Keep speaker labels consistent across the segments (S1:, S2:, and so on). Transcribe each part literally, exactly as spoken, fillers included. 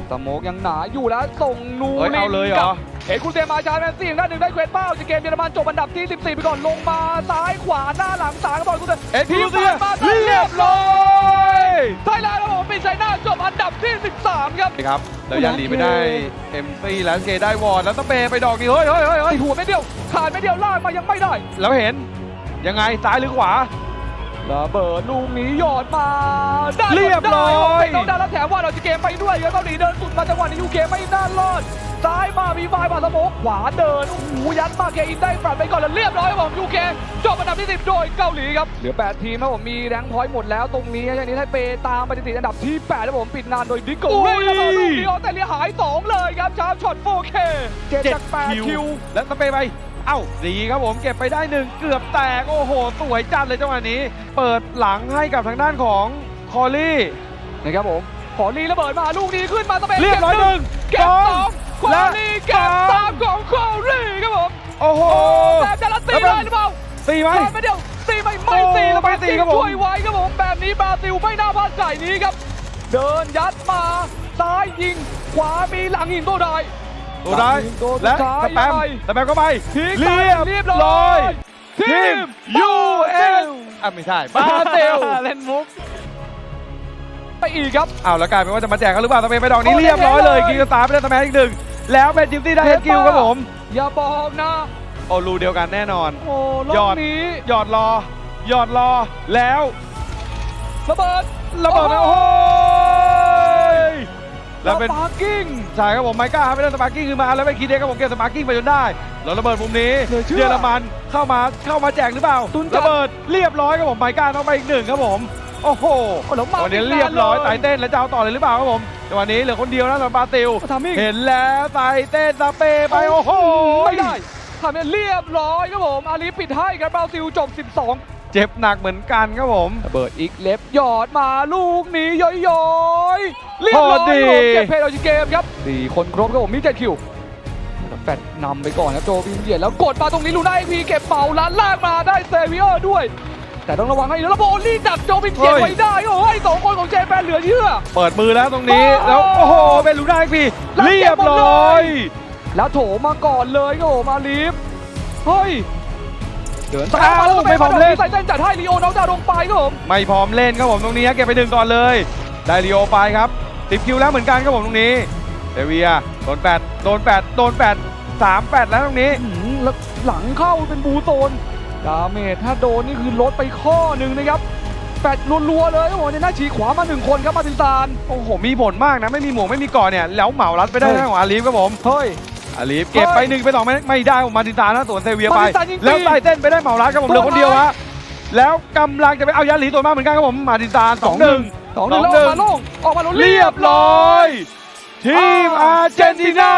S1: สโมกยังหนาอยู่แล้วส่งนูริน
S2: เอาเลยเหรอ
S1: เอ็กซ์คูเซมาชาร์แมนซี่ด้านหนึ่งได้เควสเป้าจากเกมเยอรมันจบอันดับที่สิบสี่ไปก่อนลงมาซ้ายขวาหน้าหลังสามกระบอกกูเตอร์
S2: เอ็กซ์คูเซีย
S1: มาเรียบร้อยไทยแลนด์ครับผมเป็นไชน่าจบอันดับที่สิบสามครับ
S2: ครับแล้วยันหลีไปได้เอ็มซีแลนสเกได้วอร์ดแล้วสเปย์ไปดอกนี้เฮ้ยเฮ้ยเฮ้ยเฮ้ย
S1: หัวไม่เดียวขาดไม่เดียวลากมายังไม่ได้
S2: แล้วเห็นยังไงซ้ายหรือขวา
S1: ระเบิดลูกนี้หยอดมาได้
S2: เรียบร้อย
S1: เป็นน้องดาวแล้วแถมว่าเราจะเกมไปด้วยครับเกาหลีเดินสุดมาจังหวะนี้ยูเคไม่น่ารอดซ้ายมามีไฟมาสโมกขวาเดินโอ้โหยัดมาเกอินได้ปรับไปก่อนแล้วเรียบร้อยครับผมยูเคจบอันดับที่สิบโดยเกาหลีครับเหลือแปดทีมครับผมมีแรงค์พอยต์หมดแล้วตรงนี้อย่างนี้ไทเปตามไปติดอันดับที่แปดแล้วผมปิดงานโดยดิโก้เฮ้ยระเบิดลูกเดียวแต่เลี้ยหายสองเลยครับชาร์ปช็อต โฟร์เค เจ็ดจากแปดคิว
S2: แล้วสเปย์ไปเอ้าดีครับผมเก็บไปได้หนึ่งเกือบแตกโอ้โหสวยจัดเลยจังหวะนี้ เปิดหลังให้กับทางด้านของคอลลี่
S1: นะครับผมขอรีระเบิดมาลูกนี้ขึ้นมาสเปน
S2: เรียบร้อยหนึ่ง
S1: เก็บสองควา
S2: และ
S1: ลีเก็บสามของคอรีครับผม
S2: โอ้โห
S1: แบบจะละตีได้หรือเปล่า
S2: ตีไหม
S1: พลาดไปเดียวตีไม่ไม่ตี
S2: โอ้
S1: แล้ว
S2: ไม่ตีครับผม
S1: ช่วยไว้ครับผมแบบนี้บราซิลไม่น่าพลาดไก่นี้ครับเดินยัดมาซ้ายยิงขวามีหลังยิงตัวใด
S2: ตัวได้และสแปมสแปมเข้าไป
S1: ทิ้ง
S2: เรียบ
S1: เรียบ
S2: ร้
S1: ร้
S2: อ
S1: อย ย
S2: ทีม ยู เอส อ่ะไม่ใช่บราซิล
S1: เล่นมุกไปอีกครับ
S2: อ้าวแล้วกลายเป็นว่าจะมาแจกกันหรือเปล่าสเปนไปดอกนี้
S1: โอ้
S2: เรียบร้อยเลย
S1: เท่เลย
S2: กิงสตาร์ไปได้สแมนอีกหนึ่งแล้วเป็นจิมซี่ได้เฮดกิลครับผม
S1: อย่าบอกนะ
S2: โอ้รูเดียวกันแน่นอน
S1: โอ้ร
S2: ย
S1: อ
S2: อบ ด
S1: นี้
S2: หยอดรอหยอดรอแล้ว
S1: ระเบิด
S2: ระเบิดไปโอ้โหยแล้วเป็น
S1: สปาร์กิ้ง
S2: ใช่ครับผมไมก้าครับไปได้สปาร์กิ้งขึ้นมาแล้วไปคีเด็กครับผมเก็บสปาร์กิ้งไปจนได้แล้วระเบิดมุมนี้
S1: เหลือเชื่อ
S2: เยอรมันเข้ามาเข้ามาแจกหรือเปล่า
S1: ตุนจัด
S2: ระเบิดเรียบร้อยครับผมไมก้าต้องไปอีกหนึ่งครับผมโอ้โห
S1: โอ้แล้วมา
S2: วันนี้เรียบร้อยไต่เต้นแล้วจะเอาต่อเลยหรือเปล่าครับผมแต่วันนี้เหลือคนเดียวนะสำหรับบราซิล
S1: ทำอีก
S2: เห็นแล้วไต่เต้นสเปย์ไปโอ้โห
S1: ไม่ได้ทำให้เรียบร้อยครับผมอาลีปิดให้ครับบราซิลจบสิบสอง
S2: เจ็บหนักเหมือนกันครับผม
S1: ระเบิดอีกเล็บหยอดมาลูกนี้ย้อยๆเรียบร้อย
S2: โคตรดี
S1: ครับผมเก็บเพลย์เอาชิเกมครับสี่คนครบครับผมมีเจ็ดคิวแฟดนำไปก่อนครับโจวินเหยียดแล้วกดมาตรงนี้ลูน่าเอพีเก็บเป่าล้านลากมาได้เซเวียร์ด้วย แต่ต้องระวังให้แล้วโบลี่จับโจวินเหยียดไว้ได้โอ้ยสองคนของเจแปนเหลือเชื่อ
S2: เปิดมือแล้วตรงนี้
S1: โอ้
S2: แล้วโอ้โหเป็นลูน่าอีกที
S1: แล้วเก็
S2: เรีย
S1: บบ หมดเลย
S2: ร้อย
S1: แล้วโถมาก่อนเลยครับผมอาลีฟเฮ้ยเดิน
S2: อ้าวไม่พร้อมเล่น
S1: ใส่เต้นจัดให้ลีโอน้องดาวลงไปครับผม
S2: ไม่พร้อมเล่นครับผมตรงนี้เก็บไปหนึ่งก่อนเลยได้ลีโอไปครับสิบคิวแล้วเหมือนกันครับผมตรงนี้เดเวียโดนแปดโดนแปดโดนแปดสามแปดแล้วตรงนี้
S1: อื้อหือแล้วหลังเข้าเป็นบูโซนดาเมจถ้าโดนนี่คือลดไปข้อหนึ่งนะครับแปดรัวๆเลยโอ้โหในหน้าฉีกขวามาหนึ่งคนครับมาตินซาน
S2: โอ้โหมีผลมากนะไม่มีหมวกไม่มีก่อนเนี่ยแล้วเหมารัดไปได้
S1: เฮ้ย
S2: ทางของอาลีฟครับผม
S1: เฮ้ย
S2: อาลีฟเก็บไป
S1: เฮ้ย
S2: หนึ่งไปสองไม่ไม่ได้ผมมาตินตานะสวนเซเวียไป
S1: มาตินตายิงฟรี
S2: แล้วไต่เต้นไปได้เหมารัดครับผมเหลือคนเดียวฮะแล้วกำลังจะไปเอายันหลีตัวมากเหมือนกันครับผมมาตินตาสองหนึ่ง
S1: สองหนึ่งแล้วออกมาโล่งออกมาโล่ง
S2: เรียบร้อย ทีมอาร์เจนตินา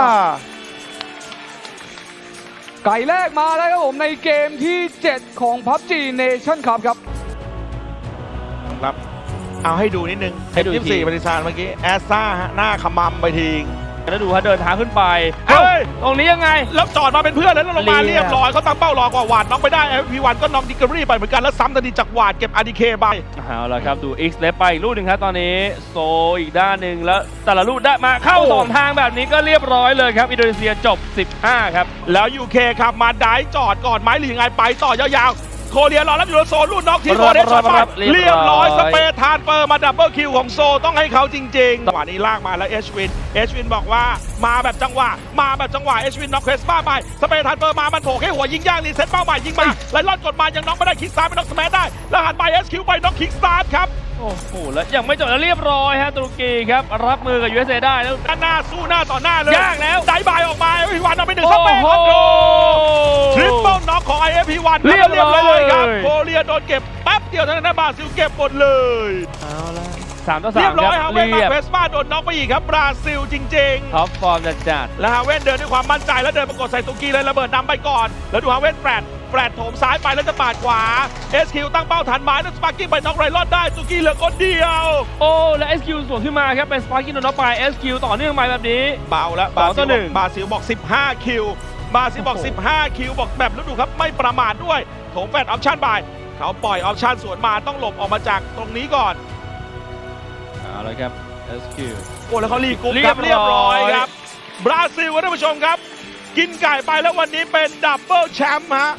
S1: ไก่แรกมาแล้วครับผมในเกมที่เจ็ดของ พับจี Nation Cup ครับ
S3: ครับ เอาให้ดูนิดนึง
S4: ให้ดูอี
S3: ยี่
S4: ก
S3: สิบ
S4: ที
S3: สี่ปฏิสารเมื่อกี้ แอสซ่าฮะหน้าขมำไปที
S4: แล้วดูฮะเดินทางขึ้นไป
S3: เฮ้ย
S4: ตรงนี้ยังไง
S3: แล้วจอดมาเป็นเพื่อนแล้วลงมา
S4: เรี
S3: เรี
S4: ย
S3: ย
S4: บ
S3: บร้อยเขาตั้งเป้ารอกว่าหวาดน็อกไปได้ เอฟ พี วัน ก็น็อกดิกเกอรี่ไปเหมือนกัน แล้วซ้ำทันทีจากหวาดเก็บ อาร์ ดี เค ไป
S4: เอาละครับดู X เล็บไปอีกลูกหนึ่งครับตอนนี้โซอีกด้านหนึ่งแล้วแต่ละลูกได้มาเข้า
S3: โอ้
S4: สองทางแบบนี้ก็เรียบร้อยเลยครับอินโดนีเซียจบสิบห้าครับ
S3: แล้ว ยู เค ครับมาได้จอดก่อนไหมหรือยังไงไปต่อยาวๆโคเรียรอรับอยู่ในโซนลูกน็อกที่โคเรียช็อตไป
S4: เรี
S3: เรี
S4: ย
S3: ย
S4: บบ ร้
S3: ร้
S4: อ
S3: อย ยสเปซทานเปอร์มาดับเบิลคิวของโซต้องให้เขาจริงๆจังหวะนี้ลากมาแล้วเอชวินเอชวินบอกว่ามาแบบจังหวะมาแบบจังหวะเอชวินน็อกเคสป้าไปสเปซทานเปอร์มามันโผล่แค่หัวยิงย่างรีเซ็ตเป้าใหม่ยิงมาไล่ลอดกดมายังน็อกไม่ได้คิกสตาร์ทไปน็อกสแมชได้แล้วหันไปเอสคิวไปน็อกคิกสตาร์ทครับ
S4: โอ้โหแล้วยังไม่จบแล้วเรียบร้อยฮะตุรกีครับรับมือกับ ยู เอส เอ ได้แล้ว
S3: ด้านหน้าสู้หน้าต่อหน้าเลย
S4: ยากแล้ว
S3: ได้บายออกมาเอฟพีวันเอาไปหนึ่งสเปซ
S4: โอ้
S3: คอนโด
S4: โห
S3: ทริปเปิลน็อกของ ไอ เอฟ พี วัน
S4: เรียบร้อย
S3: เลยครับ
S4: เลย
S3: โคเรียโดนเก็บแป๊บเดียวทางด้านบราซิลเก็บหมดเลย
S4: เอาละสามต่อสา
S3: เรีย
S4: ม
S3: บร้อย
S4: ค
S3: ฮา
S4: รับ
S3: เว่นมา
S4: เรียบ
S3: เฟสมาโดนน็อกไปอีกครับบราซิลจริง
S4: ท็อปฟอร์มจัด
S3: ๆ แล้วฮาเว่นเดินด้วยความมั่นใจแล้วเดินประกบใส่ตุกีเลยระเบิดนำไปก่อน แล้วดูฮาเว่นแปรดแปรดโถมซ้ายไปแล้วจะปาดขวา เอส คิว ตั้งเป้าทันไม้แล้วสปาร์กิ้งไปน็อกไรลอดได้ตุกีเหลือคนเดียว
S4: ๆโอ้และ เอส คิว สวนขึ้นมาครับเป็นสปาร์กิ้งโดนน็อกไป เอส คิว ต่อเนื่องมาแบบนี้
S3: เบาแล้ว
S4: สองต่อหนึ่ง
S3: บราซิลบอกสิบห้าคิวบราซิลบอก
S4: โอ้โห
S3: สิบห้าคิวบอกแบบแล้วดูครับไม่ประมาทด้วยโถมแฟดออปชั่นไปเขาปล่อยออปชั่นสวนมาต้องหลบออกมาจากตรงนี้ก่อน
S4: เอาละครับเอสคิว
S3: โอ้แล้วเขารีกรุ๊ป
S4: เรี
S3: ค
S4: ย
S3: รั
S4: บบ ร้อย
S3: เรียบร้อยครับบราซิลครับท่านผู้ชมครับ กินไก่ไปแล้ววันนี้เป็นดับเบิลแชมป์ฮะ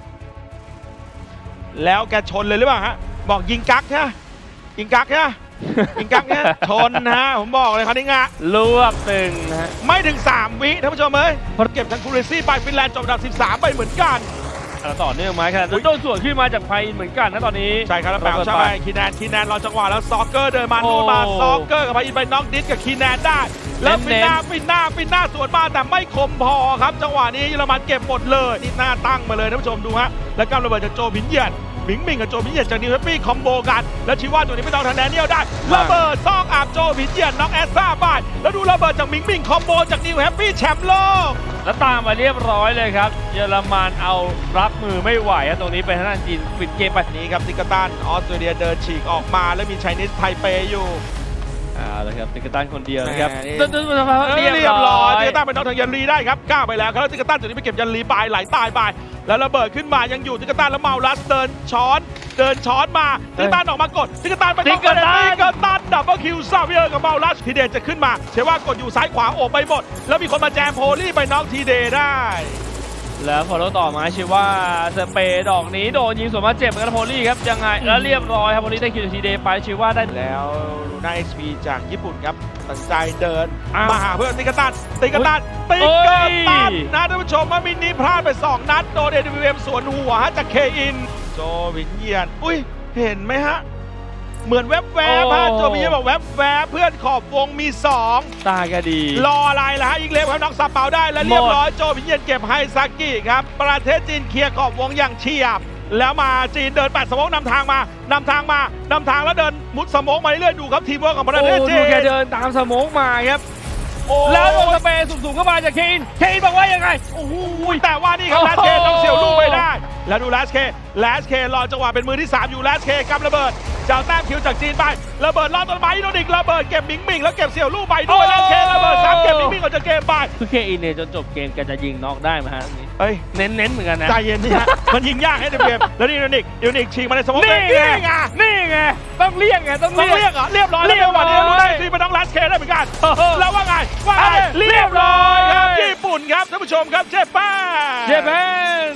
S3: แล้วแกชนเลยหรือเปล่าฮะบอกยิงกักใช่ไหมยิงกักใช่ไหมยิงกักเนี่ยชนนะฮะผมบอกเลยครับนี่งะ
S4: ลวกตึงนะฮะ
S3: ไม่ถึงสามวิท่านผู้ชมเอ้ยเก็บทั้งคูเรซี่ไปฟินแลนด์จบอันดับสิบสามไปเหมือนกัน
S4: แล้วต่อเนื่องมาขนาดนั้นโดนสวนขึ้นมาจากไพเหมือนกันนะตอนนี้
S3: ใช่ครับแล้วแปลใช่ไหมคีแนนคีแนนรอจังหวะแล้วซอกเกอร์เดินมา
S4: โอ้
S3: นู่นมาซอกเกอร์กับพายินไปน็อกดิสกับคีแนนได้ แล้วฟินหน้าฟินหน้าฟินหน้าสวนมาแต่ไม่คมพอครับจังหวะนี้เยอรมันเก็บหมดเลยนี่หน้าตั้งมาเลยท่านผู้ชมดูฮะแล้วกำระเบิดจากโจผินเหยียดหมิงหมิงกับโจผินเหยียดจากนิวแฮปปี้คอมโบกันแล้วชิว่าตัวนี้ไม่ต้องทางแดเนียลได้ระเบิดซอกอาบโจผินเหยียดน็อกแอสซ่าไปแล้วดูระเบิดจากหมิงหมิงคอมโบจากนิวแฮปปี้แชมป์โลก
S4: แล้วตามมาเรียบร้อยเลยครับ เยอรมันเอารับมือไม่ไหวครับตรงนี้เป็นทางด้านจีนปิดเกมไป
S3: นี้ครับติกตันออสเตรเลียเดินฉีกออกมาแล้วมีไชนีสไทเปอยู่
S4: อ่าเลยครับติกตันคนเดียวนะครับ
S3: แหม่นี่
S4: ตึ้งตึ้งตึ้ง
S3: เรี
S4: เรี
S3: ย
S4: ย
S3: บบ ร้
S4: ร้
S3: อ
S4: อย ย
S3: ติกตันไปน็อกทางยันรีได้ครับก้าวไปแล้วครับแล้วติกตันจุดนี้ไปเก็บยันรีไปไหลตายไปแล้วระเบิดขึ้นมายังอยู่ติกตันแล้วเมาลัสเดินช้อนเดินช้อนมาติกตันออกมากดติกตันไปน็อกติกตันดับเบิลคิวซาเวียร์กับเมาลัสทีเดจะขึ้นมาเชื่อว่ากดอยู่ซ้ายขวาโอบไปหมดแล้วมีคนมาแจมโพลี่ไปน็อกทีเดได้
S4: แล้วพอเราต่อมาชื่อว่าสเปย์ดอกนี้โดนยิงสวนมาเจ็บเหมือนกันโพลี่ครับยังไงแล้วเรียบร้อยครับโพลี่ได้คิวทีเดย์ไปชื่อว่าได้
S3: แล้วลูน่าเอ็กซ์พีจากญี่ปุ่นครับตัดสินใจเดิน
S4: อ้าว
S3: มาหาเพื่อนติกตันติกตันติก
S4: โอ้
S3: ตั
S4: ย
S3: นนะท่านผู้ชมว่ามินนี้พลาดไปสองนัดโดน เอ ดับเบิลยู เอ็ม สวนหัวฮะจากเคอินโจวินเยียนอุ้ยเห็นไหมฮะเหมือนแวบแวบฮะโจวินเยียนบอกแวบแวบเพื่อนขอบวงมีสอง
S4: ตาก็ดี
S3: รออะไรล่ะฮะยิงเล็บครับน้องสับเปาได้และเรียบร้อยโจวินเยียนเก็บไฮซากิครับประเทศจีนเคลียร์ขอบวงอย่างเฉียบแล้วมาจีนเดินแปดสโมกนำทางมานำทางมานำทางแล้วเดินมุดสโมกมาเรื่อยๆดูครับทีมเวิร์กของประเทศ
S4: โอ้
S3: จี
S4: ดู
S3: น
S4: แกเดินตามสโมกมาครับ
S3: โอ้
S4: แล้วโดนสเปย์สูงๆเข้ามาจากเคนเคนบอกว่ายังไง
S3: โอ้โหแต่ว่านี่ครับ
S4: โอ้
S3: แล
S4: โห
S3: สเคต้องเสียวลูกไปได้ แล้วดูแลสเคแลสเครอจังหวะเป็นมือที่สามอยู่แลสเคกำระเบิดจะเอาแต้มคิวจากจีนไประเบิดลอดต้นไม้อินโดนิกระเบิดเก็บหมิงหมิงแล้วเก็บเสี่ยวลูกไปด้วยแลสเคระเบิดสามเก็บหมิงหมิงออกจากเกมไป
S4: คือเคอินเนี่ยจนจบเกมแกจะยิงน็อกได้ไหมฮะตรงนี้
S3: เฮ้ย
S4: เน้นๆเหมือนกันนะ
S3: ใจเย็นนี่ฮะ มันยิงยากให้เดเกมแล้วนี่อินโดนิกอินโดนิกฉีกมาในสมอง
S4: นี่
S3: นี่
S4: ไง
S3: ไง
S4: นี่ไงต้องเรียกไงต้อง
S3: ต้อง
S4: เรียก
S3: เรียกเหรอเรียบร้อยแล้ว
S4: เรียบร้อย
S3: วันนี้รู้ได้ทีมันต้องแลสเคได้เหมือนกัน
S4: เออ
S3: แล้วว่าไงว่าไง
S4: เรี
S3: เรี
S4: ย
S3: ย
S4: บบ ร้
S3: ร้
S4: อ
S3: อย ยครับญี่ปุ่นครับท่านผู้ชมครับเจแปน
S4: เจแปน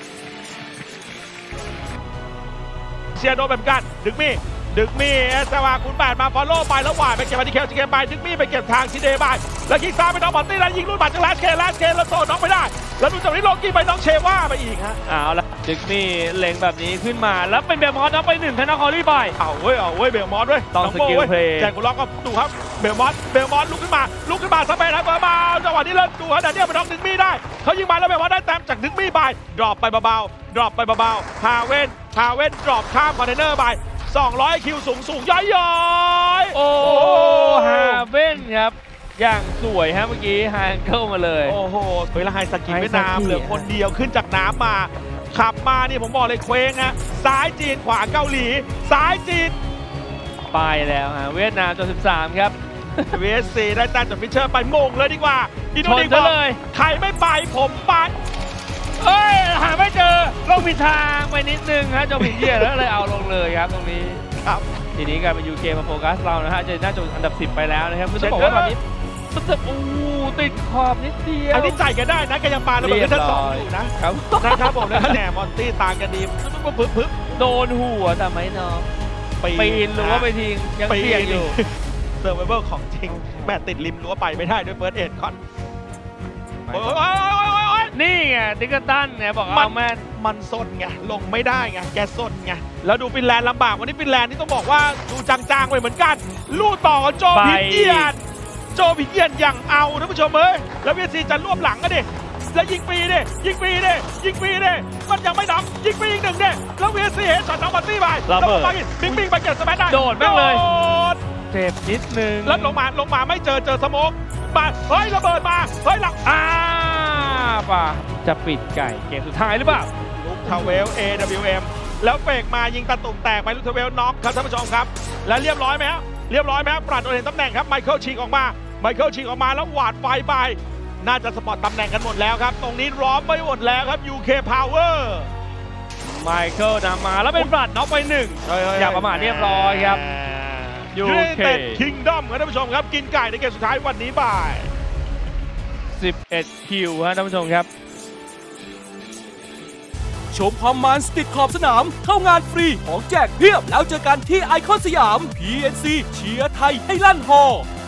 S3: เชียร์โดนแบบกันดึกมี่ดึกมี่เอสวาคูณแปดมาฟอลโล่ไปแล้วหวานไปเก็บมาที่เคลจิเกมไปดึกมี่ไปเก็บทางชิเดบายแล้วคิกซ้ายไปน้องบอตตี้แล้วยิงลูกบัตรจากแลสเคแลสเคแล้วโซนน้องไปได้แล้วดูจากนี้โลกี้ไปน้องเชว่าไปอีกฮะ
S4: เอาละดึกนี่เล็งแบบนี้ขึ้นมาแล้วเป็นเบลมอสนับไปหนึ่งธนาคอรี่ไป
S3: เอาเว้ยเอาเว้ยเบลมอสเว้ย
S4: ต้อง
S3: น้โบ้
S4: สกิล
S3: ว้ย
S4: เพลย์
S3: แจกกุล็อกก็ดูครับเบลมอสเบลมอสลุกขึ้นมาลุกขึ้นมาสเปนนะเบอร์มาจังหวะนี้เริ่มดูฮะแต่เนี่ยไปน้องดึกมี่ได้เขายิงมาแล้วเบลมอสได้แต้มจากดึกมี่ไปดรอปไปเบาๆดรอปไปเบาๆฮาเว่นฮาเว่นดรอปข้ามคอนเทนเนอร์ไปสองร้อยคิวสูงสูงย้อยย้อยๆ
S4: โอ้ฮาเว่นครับ อย่างสวยฮะเมื่อกี้ฮางเกิลมาเลย
S3: โอ้โหเฮ้ยแล้วไฮสกิ
S4: ไฮสกิ
S3: เวียดนามเหลือคนเดียวขึ้นจากน้ำมา ขับมานี่ผมบอกเลยเคว้งฮะซ้ายจีนขวาเกาหลี ซ้ายจีน
S4: ไปแล้วฮะเวียดนามจนสิบสามครับ
S3: วี เอส ซี ได้แต้มจากฟิชเชอร์ไปโมงเลยดีกว่าอินโดนี
S4: ชน
S3: เซี
S4: ซะ
S3: ย
S4: เลย
S3: ใครไม่ไปผมไป
S4: เอ้ย หาไม่เจอ ลงผิดทางไปนิดนึงฮะเจาผิดเหยียดแล้วเลยเอาลงเลยครับตรงนี้
S3: ครับ
S4: ทีนี้กลายเป็นยูเคมาโฟกัสเรานะฮะเจะน่าจะอันดับสิบไปแล้วนะครับคือต้องบอกว่าตอนนี้มันจะอู้ติดขอบนิดเดียว
S3: อันนี้ใจกันได้นะแกยังปาระเบิด
S4: เรียบ
S3: ชั้นสอง
S4: ร้อย
S3: อยู่นะครับ นะครับผมแล้วแหนมอนตี้ต่างกันดีปึ๊บปึ๊บปึ๊บ
S4: โดนหัวแต่ไม่น็อกปีนหรือว่าไปทิ้งยัง
S3: ปีน
S4: เสี่ยงอยู่
S3: เซอร์ไวเวอร์ของจริงแม่ติดริมรั้วไปไม่ได้ด้วยเฟิร์สเอ็ดก่อนโอ้ยโอ้ยโอ้ยโอ้ยโอ้ย
S4: นี่ไงติกเกอร์ตันเนี่ยบอก
S3: มั
S4: เอา
S3: น
S4: แม่น
S3: มันสนไงลงไม่ได้ไงแกสนไงแล้วดูฟินแลนด์ลำบากวันนี้ฟินแลนด์นี่ต้องบอกว่าดูจางๆไปเหมือนกันลู่ต่อกับโจพิเยียนโจพิเยียนอย่างเอาท่านผู้ชมเอ้ยแล้วเวียดซีจะรวบหลังกันดิแล้วยิงฟรีดิยิงฟรีดิยิงฟรีดิมันยังไม่น็อกยิงฟรีอีกหนึ่งดิแล้วเวียดซีเห็นช็อตน้องบัตตี้ไปแล้วไปบิงบิงไปเก็บสแปนได้
S4: โดดแม่งเลย
S3: โดด
S4: เจ็บนิดนึง
S3: แล้วลงมาลงมาไม่เจอเจอสโมกมาเฮ้ยระเบิดมาเฮ้ยหลัง
S4: อ่าป่ะจะปิดไก่เกมสุดท้ายหรือเปล่า
S3: ลูกทาวเวล เอ ดับเบิลยู เอ็ม แล้วเฟกมายิงตะตุ่มแตกไปลูกทาวเวลน็อกครับท่านผู้ชมครับ และเรียบร้อยไหมฮะเรียบร้อยไหมฮะปราดโดนเห็นตำแหน่งครับไมเคิลฉีกออกมาไมเคิลฉีกออกมาแล้วหวาดไฟไปน่าจะสปอร์ตตำแหน่งกันหมดแล้วครับตรงนี้ล้อมไปหมดแล้วครับ ยู เค Power
S4: ไมเคิลนำมาแล้วเป็นบลัดน็อกไปหนึ่ง อย่าประมาทเรียบร้อยครับยู
S3: ยู
S4: เค
S3: เต็ดคิงดอมครับท่านผู้ชมครับกินไก่ในเกมสุดท้ายวันนี้บ่าย
S4: สิบเอ็ดคิวฮะท่านผู้ชมครับ
S5: ชมความมันติดขอบสนาม เข้างานฟรีของแจกเพียบ แล้วเจอกันที่ไอคอนสยาม พี เอ็น ซี เชียร์ไทยให้ลั่นฮอ